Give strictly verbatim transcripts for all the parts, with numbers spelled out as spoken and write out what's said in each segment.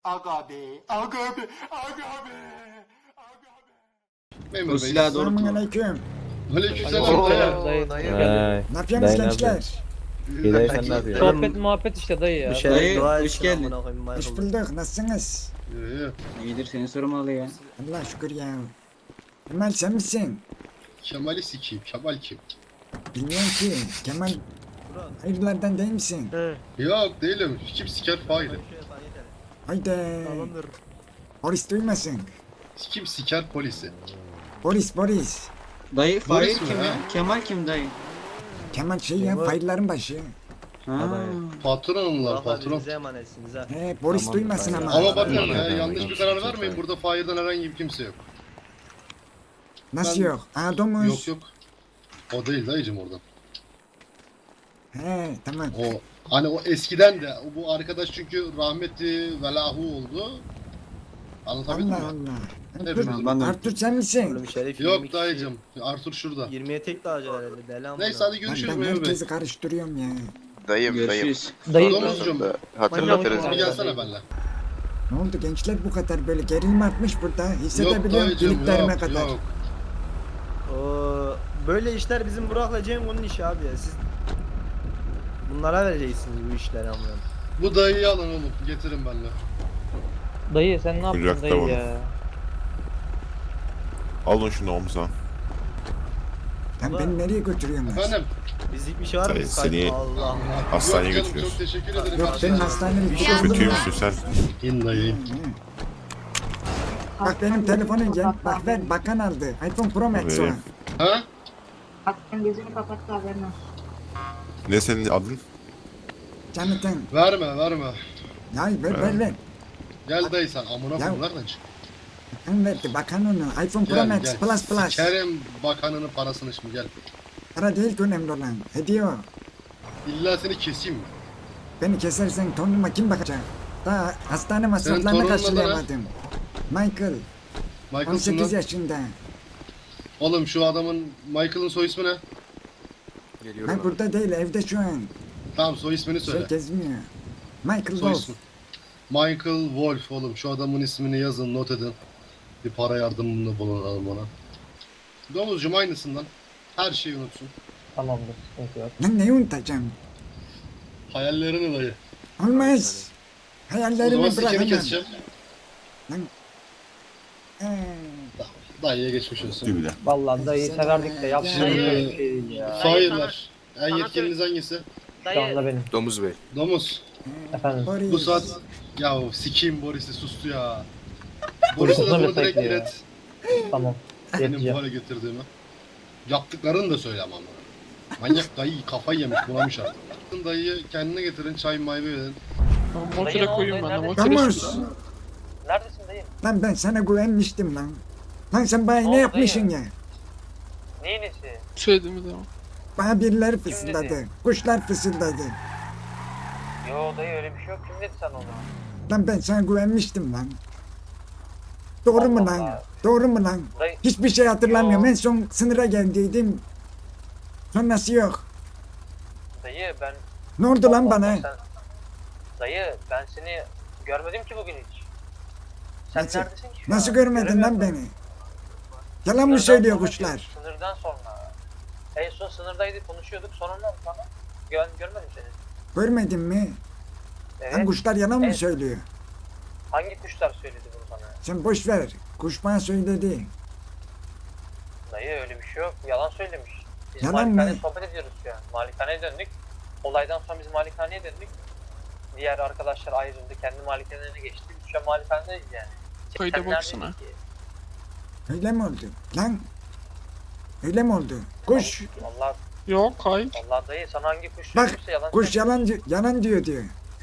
Aga be, aga be, aga be, aga be. Memur O Bey. silahı doğru kullan. Selamünaleyküm. Aleykümselam. Oo, dayı. dayı. Hay. Ne yapıyorsunuz Dayı ne gençler? İyi dayı sen ne yapıyorsun? Sohbet muhabbet işte dayı ya. Bir şey- Dayı Dua hoş etsin geldin. amına koyayım, Michael. Hoş bulduk. Nasılsınız? İyi, iyi. İyidir seni sormalı ya. Allah şükür ya. Kemal sen misin? Kemal'i sikeyim. Kemal kim? Bilmiyorum ki. Kemal hayırlardan değil misin? Yok değilim. Kim siker failim. Haydi. Boris duymasın. Kim siker polisi. Boris Boris. Dayı Fahir Boris mi kim ha? ya? Kemal kim dayı? Kemal şey ya Kemal. faillerin başı. Ha. Patron onlar patron. Bize emanetsiniz ha. He Boris Tamam, duymasın tamam. ama. Ama bakın Tamam, ya tamam, yanlış tamam. bir karar Çok vermeyin. iyi. Burada Fahir'den herhangi bir kimse yok. Nasıl Ben- yok? Aa domuz. Yok yok. O değil dayıcım oradan. He tamam. O hani o eskiden de bu arkadaş çünkü rahmetli velahu oldu. Anlatabildim Allah mi? Allah. Evet, Artur, ben de- Artur sen misin? Oğlum Şerif yirmi Yok kişi- dayıcım. Artur şurada. yirmiye tek dağcı herhalde deli amına. Neyse hadi Lan görüşürüz ben memur bey. herkesi karıştırıyorum ya. Dayım dayım. Görüşürüz. Dayı Domuzcum Hatırlatırız. Manyak bir ya. gelsene benimle. Ne oldu gençler bu kadar böyle gerilim artmış burada. Yok Hissedebiliyorum dayıcım iliklerime yok kadar. yok. Oo, böyle işler bizim Burak'la Cengo'nun işi abi ya. Siz bunlara vereceksiniz bu işleri amına. Bu dayıyı alın oğlum. Getirin benimle. Dayı sen ne yaptın Kucakta dayı bunu. ya? Alın şunu omuza. Lan beni nereye götürüyorsunuz? Efendim? Bizlik bir şey var mı? Dayı, seni- Allah Allah. Hastaneye Yok canım, götürüyoruz. çok teşekkür ederim. Yok benim hastanelik bir şey oldu Kötü mu? müsün sen? İn dayı. Bak benim telefonum gel. Bak ver bakan aldı. iPhone Pro Max o. Vereyim. Ha? Hakan gözünü kapattı haberin olsun. Ne senin adın? Canıtın. Verme verme. Ya ver ver ver. Gel dayı sen amına Ya- koyayım nereden çık? Bakan verdi bakan onu. iPhone Pro Gel Max gel. Plus Plus. Sikerim bakanının parasını şimdi gel. Para değil ki önemli olan. Hediye o. İlla seni keseyim mi? Beni kesersen torunuma kim bakacak? Daha hastane masraflarını torunun adı ne? karşılayamadım. Michael. Michael on sekiz Sun'dan. yaşında. Oğlum şu adamın Michael'ın soy ismi ne? Ben burada değil evde şu an. Tamam soy ismini söyle. Şey gezmiyor. Michael Soy Wolf. ismi. Michael Wolf oğlum şu adamın ismini yazın not edin. Bir para yardımında bulunalım ona. Domuzcum aynısından. Her şeyi unutsun. Tamamdır. Sıkıntı yok. Lan neyi unutacağım? Hayallerini dayı. Olmaz. O zaman Hayallerimi bırak sikeni hemen. keseceğim. Ee, Dayıya geçmiş olsun. Dibine. Vallahi dayı severdik de yaptığımız Dayı. böyle bir şey değil ya. Hayırlar. En yetkiliniz hangisi? Şu anda benim. Domuz Bey. Domuz. Efendim. Boris. Bu saat ya sikeyim Boris'i sustu ya. Boris'e de Boris'e bunu mi direkt bekliyor? ilet. Tamam. Benim bu Yeteceğim. hale getirdiğimi. Yaptıklarını da söyle ama. Manyak dayı kafayı yemiş bulamış artık. Dayıyı kendine getirin çay mayve verin. Motora koyayım ben de. Domuz. Neredesin dayı? Lan ben sana güvenmiştim lan. Lan sen bana ne oldu yapmışsın ya? Neyin nesi? Söylediğimiz zaman. Bana birileri fısıldadı. Kuşlar fısıldadı. Yo dayı öyle bir şey yok. Kim dedi sen onu? Lan ben sana güvenmiştim lan. Doğru mu Allah lan? Allah. Doğru mu lan? Dayı, Hiçbir şey hatırlamıyorum. Yo. En son sınıra geldiydim. Sonrası yok. dayı ben... Ne oldu lan Allah bana? Allah, sen- Dayı ben seni görmedim ki bugün hiç. Sen Nasıl- neredesin ki? şu Nasıl an? görmedin Göremiyorum. lan beni? Yalan mı Sınırdan söylüyor sonra kuşlar? diyor, Sınırdan sonra. En son sınırdaydık konuşuyorduk sonradan sonra. Gör, görmedim seni. Görmedin mi? Evet. Lan kuşlar yalan mı Evet. söylüyor? Hangi kuşlar söyledi bunu sana? Sen boş ver. Kuş bana söyledi. Dayı öyle bir şey yok. Yalan söylemiş. Biz Yalan malikaneye mı? sohbet ediyoruz şu an. Malikaneye döndük. Olaydan sonra biz malikaneye döndük. Diğer arkadaşlar ayrıldı. Kendi malikanelerine geçti. Biz şu an malikanedeyiz yani. Kayda Sen baksana. neredeydin ki? Öyle mi oldu? Lan. Öyle mi oldu? Kuş. Vallahi, Yok hayır. vallahi dayı sana hangi kuş Bak, söylüyorsa yalan Kuş söylüyor. yalan, yalan diyor diyor.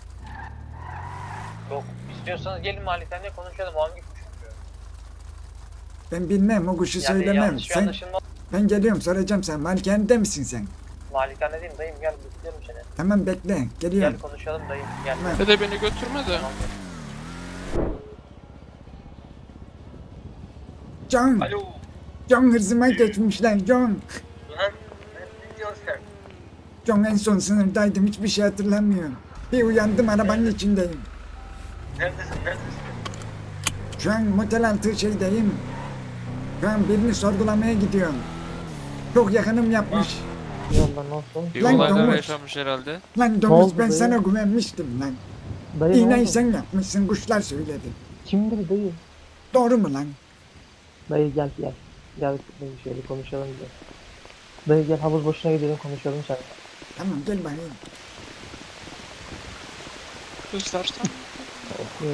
Yok. İstiyorsanız gelin malikaneye konuşalım. O hangi kuş diyor. Ben bilmem o kuşu Yani söylemem. yanlış bir Sen, anlaşılma. ben geliyorum soracağım sen. Malikanede misin sen? Malikanedeyim dayım gel bekliyorum seni. Tamam bekle. Gel Geliyorum. konuşalım dayım gel. Tamam. Dede beni götürme de. Tamam. Can. Alo. Can hırzıma geçmişler. Can. Lan ne diyorsun sen? Can en son sınırdaydım. Hiçbir şey hatırlamıyorum. Bir uyandım arabanın içindeyim. Neredesin? Neredesin? Şu an motel altı şeydeyim. Şu an birini sorgulamaya gidiyorum. Çok yakınım yapmış. Bir Lan olaylar domuz. yaşanmış herhalde. Lan domuz ben sana güvenmiştim lan. Dayı ne İğneyi oldu? sen yapmışsın, kuşlar söyledi. Kimdir dayı? Doğru mu lan? Dayı gel gel. Gel dayı şöyle konuşalım bir de. Dayı gel havuz başına gidelim konuşalım sen. Tamam gel bakayım. Göstersen. Ee,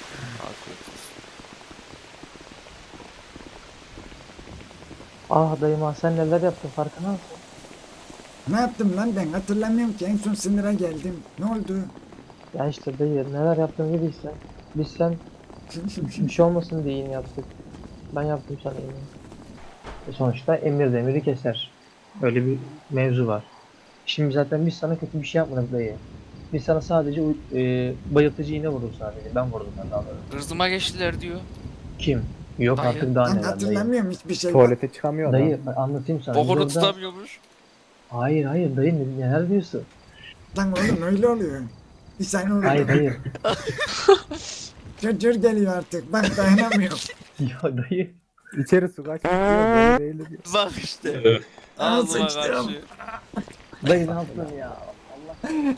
ah dayım ah sen neler yaptın farkında mısın? Ne yaptım lan ben hatırlamıyorum ki en son sınıra geldim. Ne oldu? Ya işte dayı neler yaptın bilirsen. Biz sen bir şey olmasın diye iğne yaptık. Ben yaptım sana iğne. E sonuçta emir demiri keser. Öyle bir mevzu var. Şimdi zaten biz sana kötü bir şey yapmadık dayı. Biz sana sadece uy- e, bayıltıcı iğne vurduk sadece. Ben vurdum ben daha doğrusu. Hırzıma geçtiler diyor. Kim? Yok Dayı. artık daha Ben neler dayı. hatırlamıyorum hiçbir şey. Tuvalete çıkamıyor adam. Dayı ben anlatayım sana. Biz Bokunu orada- tutamıyormuş. Hayır hayır dayı ne- neler diyorsun? Lan oğlum öyle oluyor. Bir saniye oluyor. Hayır hayır. Cırcır geliyor artık. Bak dayanamıyorum. Ya dayı. İçeri su kaç. Böyle değil diyor. Bak işte. Ağzıma sıçtım. karşı. Dayı ne yaptın ya? Allah.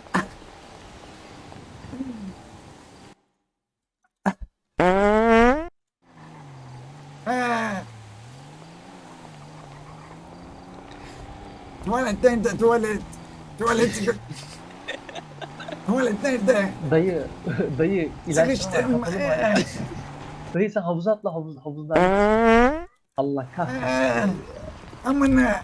Ha. Tuvalet nerede tuvalet? Tuvalet. Tuvalet nerede? Dayı dayı ilaç var. Sıkıştım. kapalı var. Dayı sen havuza atla havuz havuzdan. Allah kahretsin. Ha. Amına.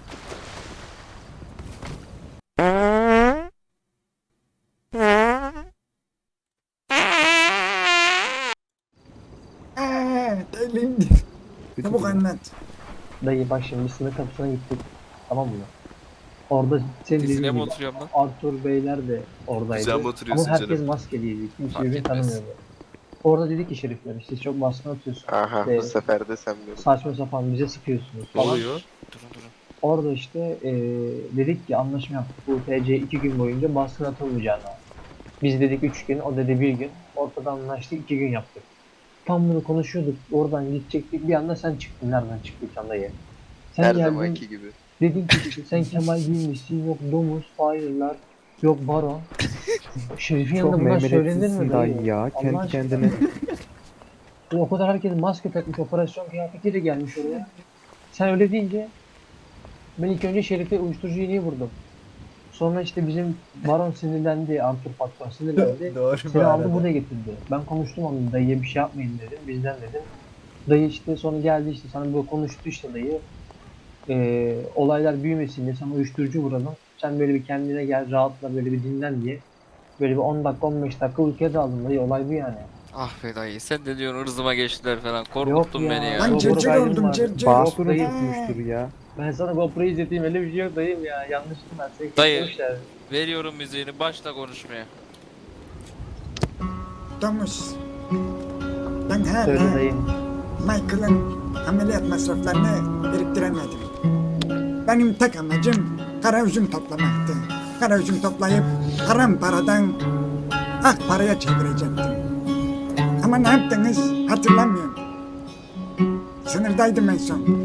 Aa, Elimdi. Çabuk anlat. Dayı bak şimdi biz sınır kapısına gittik. Tamam mı? Orada senin dediğin Dizine mi gibi oturuyorum lan? Arthur Beyler de oradaydı. Güzel mi oturuyorsun Ama herkes canım? maskeliydi. Kimse Fark birbirini etmez. tanımıyordu. Orada dedik ki şerifler siz çok baskın atıyorsunuz. Aha İşte bu sefer de sen böyle. saçma sapan bize sıkıyorsunuz Ne falan. oluyor? Durun durun. Orada işte eee, dedik ki anlaşma yaptık. Bu T C iki gün boyunca baskın atılmayacağını. Biz dedik üç gün, o dedi bir gün. Ortada anlaştık, iki gün yaptık. Tam bunu konuşuyorduk. Oradan gidecektik. Bir anda sen çıktın. Nereden çıktıysan dayı. Sen Her geldin, zamanki gibi. dedin ki işte sen Kemal giymişsin. Yok domuz, fire'lar. Yok baron. Şerif'in yanında Çok bunlar söylenir memnuniyetsizsin mi dayı dayı? ya. Allah Kendi aşkına. kendine. O kadar herkes maske takmış, operasyon kıyafetiyle gelmiş oraya. Sen öyle deyince ben ilk önce Şerif'e uyuşturucu iğneyi vurdum. Sonra işte bizim baron sinirlendi, Arthur patron sinirlendi. Doğru Seni aldı buraya getirdi. Ben konuştum onunla, dayıya bir şey yapmayın dedim, bizden dedim. Dayı işte sonra geldi işte sana böyle konuştu işte dayı. Ee, olaylar büyümesin diye sana uyuşturucu vuralım. Sen böyle bir kendine gel, rahatla böyle bir dinlen diye. Böyle bir on dakika on beş dakika uykuya daldım dayı, olay bu yani. Ah be dayı sen de diyorsun hırzıma geçtiler falan. Yok Korkuttun ya. beni ya. Lan Yok, cırcır orada oldum var. cırcır. Basuru dayı. tutmuştur ya. Ben sana GoPro'yu izleteyim, öyle bir şey yok dayım ya, yanlıştım ben. Seni Dayı. kesmişler. Veriyorum müziğini başla konuşmaya. Domuz. Ben Söyle hala dayım. Michael'ın ameliyat masraflarını biriktiremedim. Benim tek amacım kara üzüm toplamaktı. Kara üzüm toplayıp haram paradan ak paraya çevirecektim. Ama ne yaptınız hatırlamıyorum. Sınırdaydım en son.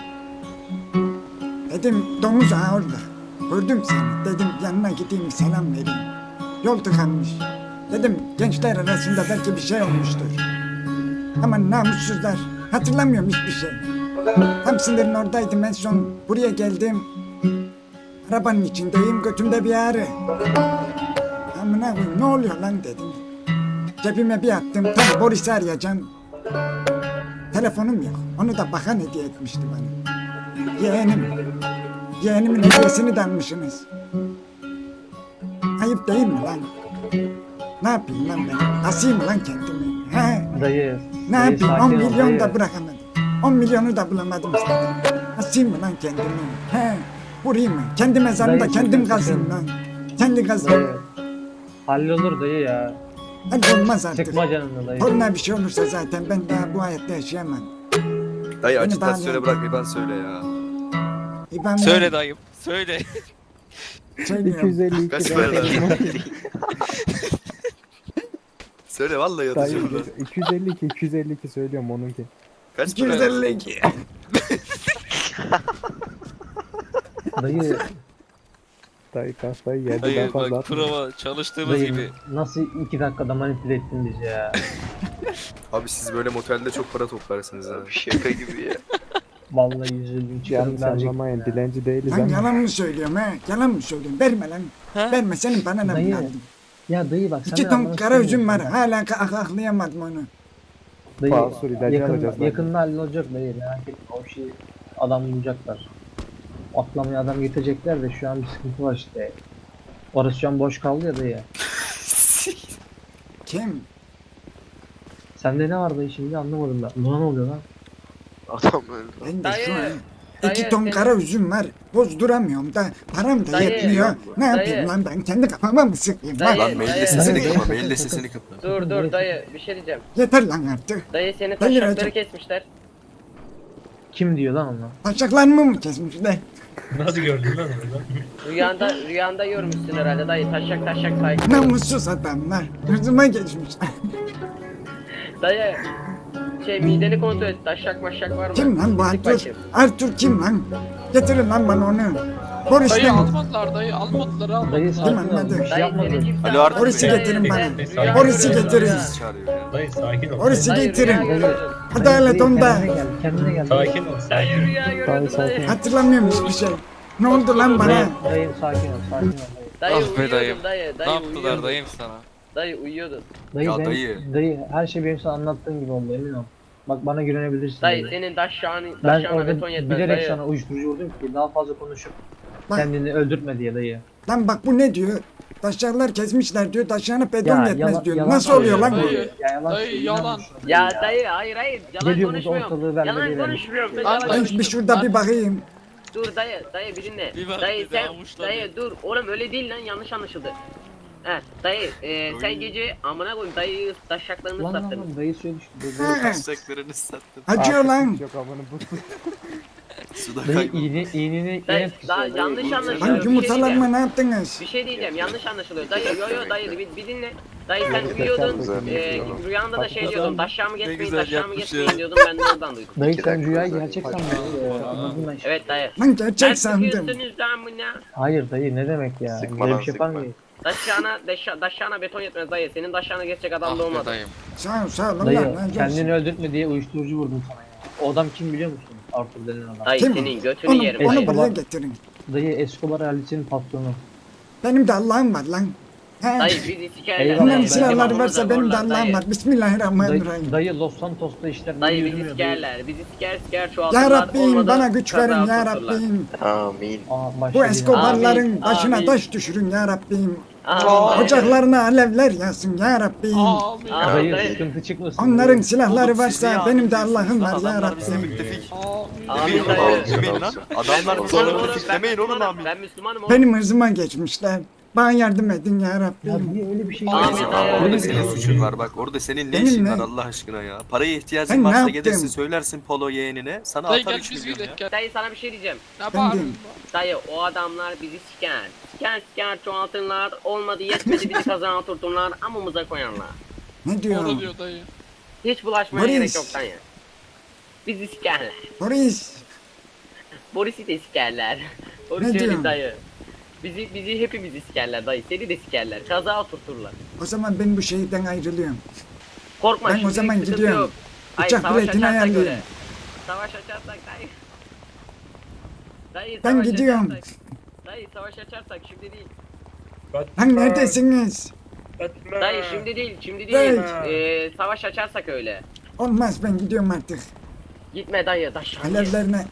Dedim domuz ağa orada. Gördüm seni. Dedim yanına gideyim selam vereyim. Yol tıkanmış. Dedim gençler arasında belki bir şey olmuştur. Ama namussuzlar. Hatırlamıyorum hiçbir şey. Tam sınırın oradaydım en son. Buraya geldim. Arabanın içindeyim. Götümde bir ağrı. Amına koyayım ne oluyor lan dedim. Cebime bir attım. Tabii Boris'i arayacağım. Telefonum yok. Onu da bakan hediye etmişti bana. Yeğenim. Yeğenimin hediyesini de almışsınız. Ayıp değil mi lan? Ne yapayım lan ben? Asayım mı lan kendimi? He? Dayı. Ne dayı, yapayım? sakin on ol milyon dayı. da bırakamadım. on milyonu da bulamadım zaten. Asayım mı lan kendimi? He? Vurayım mı? Kendi mezarımda Dayı, kendim sakın, kazayım sakın. lan. Kendi kazayım. Dayı. Hallolur dayı ya. Hadi olmaz artık. Sıkma canını dayı. Toruna bir şey olursa zaten ben daha bu hayatta yaşayamam. Dayı Beni acitasyona bağlayan- bırak İban söyle ya. İban Söyle dayım. Söyle. iki Söylüyorum. yüz elli iki Kaç de- para lan? Söyle vallahi Dayı iki yüz elli iki iki yüz elli iki söylüyorum onunki. Kaç iki yüz elli iki. Dayı, Dayı kafayı yedi. Ben Dayı fazla bak atmıyorum. prova çalıştığımız dayı gibi. nasıl iki dakikada manipüle ettin bizi ya. Abi siz böyle motelde çok para toplarsınız ha. Şaka gibi ya. Vallahi yüzüldüm Yanlış çıkarım verecektim anlamayın ya. dilenci değiliz Lan ama. yalan mı söylüyorum ha? Yalan mı söylüyorum? Verme lan. Verme senin bana ne Dayı, lazım? Ya dayı bak sen İki de ton anlamak kara üzüm var. istemiyorsun. Hala ak- aklayamadım onu. Dayı Basur ilacı yakın, alacağız lan. yakında hallolacak dayı merak etme o şeyi adam bulacaklar. Atlamaya adam getirecekler de şu an bir sıkıntı var işte. Orası şu an boş kaldı ya dayı. Kim? Sende ne var dayı şimdi anlamadım ben. Buna ne oluyor lan? Adam öldü. Ben de Dayı, şu an dayı, iki ton senin- kara üzüm var. Bozduramıyorum da param da Dayı, yetmiyor. Ne yapayım dayı. lan ben? Kendi kafama mı sıkayım lan? Dayı, Lan mailde dayı. sesini Dayı. kapa, mailde sesini kapa. Dur dur dayı bir şey diyeceğim. Yeter lan artık. Dayı seni Dayı, taşakları dayı. kesmişler. Kim diyor lan onu? Taşaklarımı mı kesmişler? Rüyanda rüyanda görmüşsün herhalde dayı taşak taşak saygı. Namussuz adamlar. Hırzıma geçmişler. Dayı şey mideni kontrol et taşak maşak var mı? Kim lan bu Sık Artur? bakayım. Artur kim lan? Getirin lan bana onu. Boris'le mi? almadılar dayı almadılar Dayı sakin ol. anladı? Bir şey Dayı yapmadı. seni kimse Alo, Artur Boris'i Bey. getirin bana. Rüya Boris'i görüyorum getirin. rüya. Çağırıyor ya. Dayı sakin ol. Boris'i Dayı, getirin. rüya görüyorum. Adalet onda. Kendine gel, kendine gel. Sakin ol. Dayı rüya Dayı görüyorum sakin. dayı. Hatırlamıyorum hiçbir şey. Ne oldu lan bana? Dayı, dayı sakin ol, sakin ol dayı. Dayı Ah be uyuyordun dayım. dayı. Ne Dayı yaptılar uyuyordun. dayım sana? Dayı uyuyordun. Dayı, Ya ben, dayı. dayı her şey benim sana anlattığım gibi oldu emin ol. Bak bana güvenebilirsin. Dayı senin taşağını Ben taşağına orada beton yetmez bilerek dayı. sana uyuşturucu vurdum ki daha fazla konuşup Bak. kendini öldürtme diye dayı. Lan bak bu ne diyor? Taşlarlar kesmişler diyor. Taşlarına beton yetmez yalan- diyor. yalan Nasıl oluyor lan bu? söylüyor. Ya yalan söylüyor, inanmıyorsun Ya dayı dayı hayır hayır yalan Geliyor burada konuşmuyorum. ortalığı vermedi Yalan verelim. konuşmuyorum. Ben Lan yalan Ben bir konuşmuyorum. şurada bir bakayım. Dur dayı dayı bir dinle. Bir bak Dayı bir de sen avuçladı. dayı dur oğlum öyle değil lan yanlış anlaşıldı. He dayı e, sen gece amına koyayım dayı taşaklarını Lan lan sattın. lan dayı söyle işte. Dayı, Ha, Taşaklarını sattım. acıyor Artık lan. hiç Yok amanı bu. Suda dayı kayboldu. iğne, iğneni Dayı yine daha tutuyor. yanlış Dayı, anlaşılıyor. Lan Bir şey yumurtalarıma diyeceğim. ne yaptınız? Bir şey diyeceğim yanlış anlaşılıyor. Dayı yo yo dayı bir, bir dinle. Dayı sen Yok, uyuyordun. güzel, E, rüyanda da şey diyordun. Taşağımı geçmeyin güzel taşağımı yapmış geçmeyin ya. diyordun ben de oradan duydum. Dayı İki sen dakika rüyayı özel gerçek bir sandın. Ee, Anladın ben işte. Evet dayı. Lan gerçek Ben sandım. sıkıyorsunuz lan bu ne? Hayır dayı ne demek ya? Sıkma Böyle lan, bir şey yapar sıkma. mıyız? Taşağına, deşa, taşağına beton yetmez dayı. Senin taşağına geçecek adam Ah da be olmadı. dayım. Sağ ol sağ ol. Allah Dayı razı olsun. kendini öldürtme diye uyuşturucu vurdum sana ya. O adam kim biliyor musun? Arthur denen adam. Dayı Kim? senin götünü Onu, yerim onu dayı. buraya getirin. Dayı Escobar ailesinin patronu. Benim de Allah'ım var lan. He. Dayı bizi sikerler. Eyvallah, Bunların ben- silahları varsa Onu da benim de zorlar Allah'ım dayı. var. Dayı, Bismillahirrahmanirrahim. dayı Los Santos'ta işler Dayı böyle bizi yürümüyor. sikerler. Bizi siker siker çoğaltırlar. Ya Rabbim olmadı bana güç verin kaza ya oturturlar. Rabbim. Amin. Aa, Bu başladı yine. Escobar'ların Amin, başına amin. taş düşürün ya Rabbim. Amin. Ocaklarına alevler yansın ya Rabbim. Amin. Dayı Dayı. sıkıntı çıkmasın. Onların dayı. silahları varsa benim de Allah'ım var ya Adamlar bize Rabbim. müttefik. Amin Demeyin dayı. oğlum, demeyin lan. Adamlar bize Müslümanım oğlum, müttefik ben demeyin oğlum Müslümanım, amin. Ben Müslümanım oğlum. Benim hırzıma geçmişler. Bana yardım edin ya Ya Rabbim. niye öyle bir şey Amin yapıyorsun? dayı. Orada Öyle bir senin şey suçun var bak. Orada senin ne Benim işin ne? var Allah aşkına ya. Paraya Ben ihtiyacın ne varsa yaptım? gelirsin söylersin polo yeğenine. Sana atar üç milyon ya. Dayı sana bir şey diyeceğim. Efendim, Dayı o adamlar bizi siker. Siker siker çoğaltırlar. Olmadı yetmedi bizi kazana oturturlar. Amımıza koyarlar. ne diyor? Hiç bulaşmaya Boris. gerek yok dayı. Bizi sikerler. Boris, Boris'i de sikerler. Ne Boris öyle diyorsun? dayı. Bizi bizi hepimizi sikerler dayı. Seni de sikerler. Kaza oturturlar. o zaman ben bu şehirden ayrılıyorum. Korkma Ben o şimdilik zaman sıkıntı gidiyorum. yok. Hayır, Uçak savaş biletini açarsak ayarlayayım. öyle. Savaş açarsak dayı. Dayı Ben savaş gidiyorum. açarsak- Dayı savaş açarsak şimdi değil. Lan neredesiniz? Dayı şimdi değil şimdi Dayı. değil. Ee, savaş açarsak öyle. Olmaz ben gidiyorum artık. Gitme dayı taş. Alevlerine.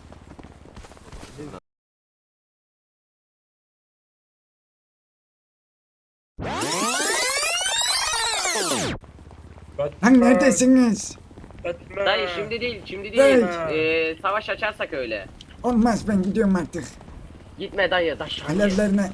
Lan neredesiniz? Dayı şimdi değil şimdi Dayı. değil. Ee, savaş açarsak öyle. Olmaz ben gidiyorum artık. Gitme dayı taş. Alevlerine.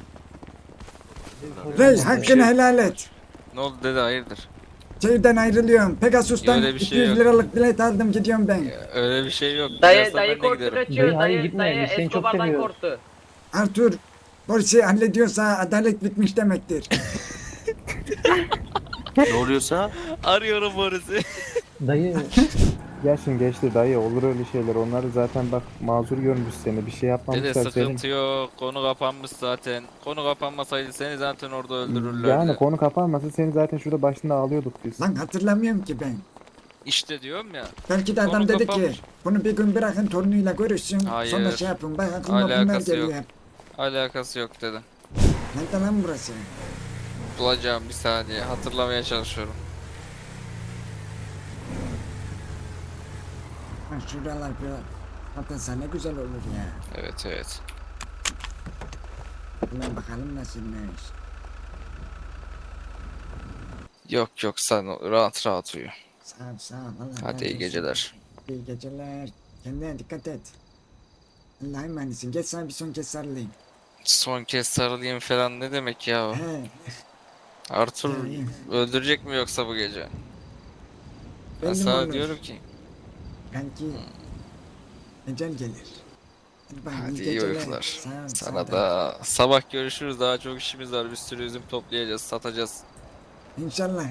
Rey hakkını helal et. Ne oldu dede hayırdır? Şehirden ayrılıyorum. Pegasus'tan Öyle bir şey iki yüz yok. liralık bilet aldım gidiyorum ben. Öyle bir şey yok. Dayı Gidersen dayı ben de korktu giderim. kaçıyor. Dayı, hayır, Dayı gitme, dayı biz seni çok Escobar'dan seviyoruz. korktu. Arthur, Boris'i hallediyorsa adalet bitmiş demektir. Ne oluyorsa? Arıyorum Boris'i. Dayı Yaşın geçti dayı olur öyle şeyler. Onlar zaten bak mazur görmüş seni. Bir şey Dede yapmamışlar senin. sıkıntı yok. Konu kapanmış zaten. Konu kapanmasaydı seni zaten orada öldürürlerdi. Yani konu kapanmasa seni zaten şurada başında ağlıyorduk biz. Lan hatırlamıyorum ki ben. İşte diyorum ya. Belki de Konu adam dedi kapanmış. ki bunu bir gün bırakın torunuyla görüşsün. Hayır. Sonra şey yapın. Bak aklıma bunlar Alakası geliyor yok. hep. Alakası yok dedim. Nerede lan burası? Bulacağım bir saniye. Hatırlamaya çalışıyorum. Lan şuralar bir atılsa ne güzel olur ya. Evet evet. Hemen bakalım nasılmış. Yok yok sen rahat rahat uyu. Sağ ol sağ ol. Allah Hadi razı iyi olsun. geceler. İyi geceler. Kendine dikkat et. Allah'a emanetsin. Geç sana bir son kez sarılayım. Son kez sarılayım falan ne demek ya? He. Arthur İyi. öldürecek mi yoksa bu gece? Ben Belli mi sana olur? diyorum ki Belki ecel gelir. Hadi, bak, hadi iyi geceler. uykular. Sağ ol, Sana sağ ol. da sabah görüşürüz. Daha çok işimiz var. Bir sürü üzüm toplayacağız, satacağız. İnşallah.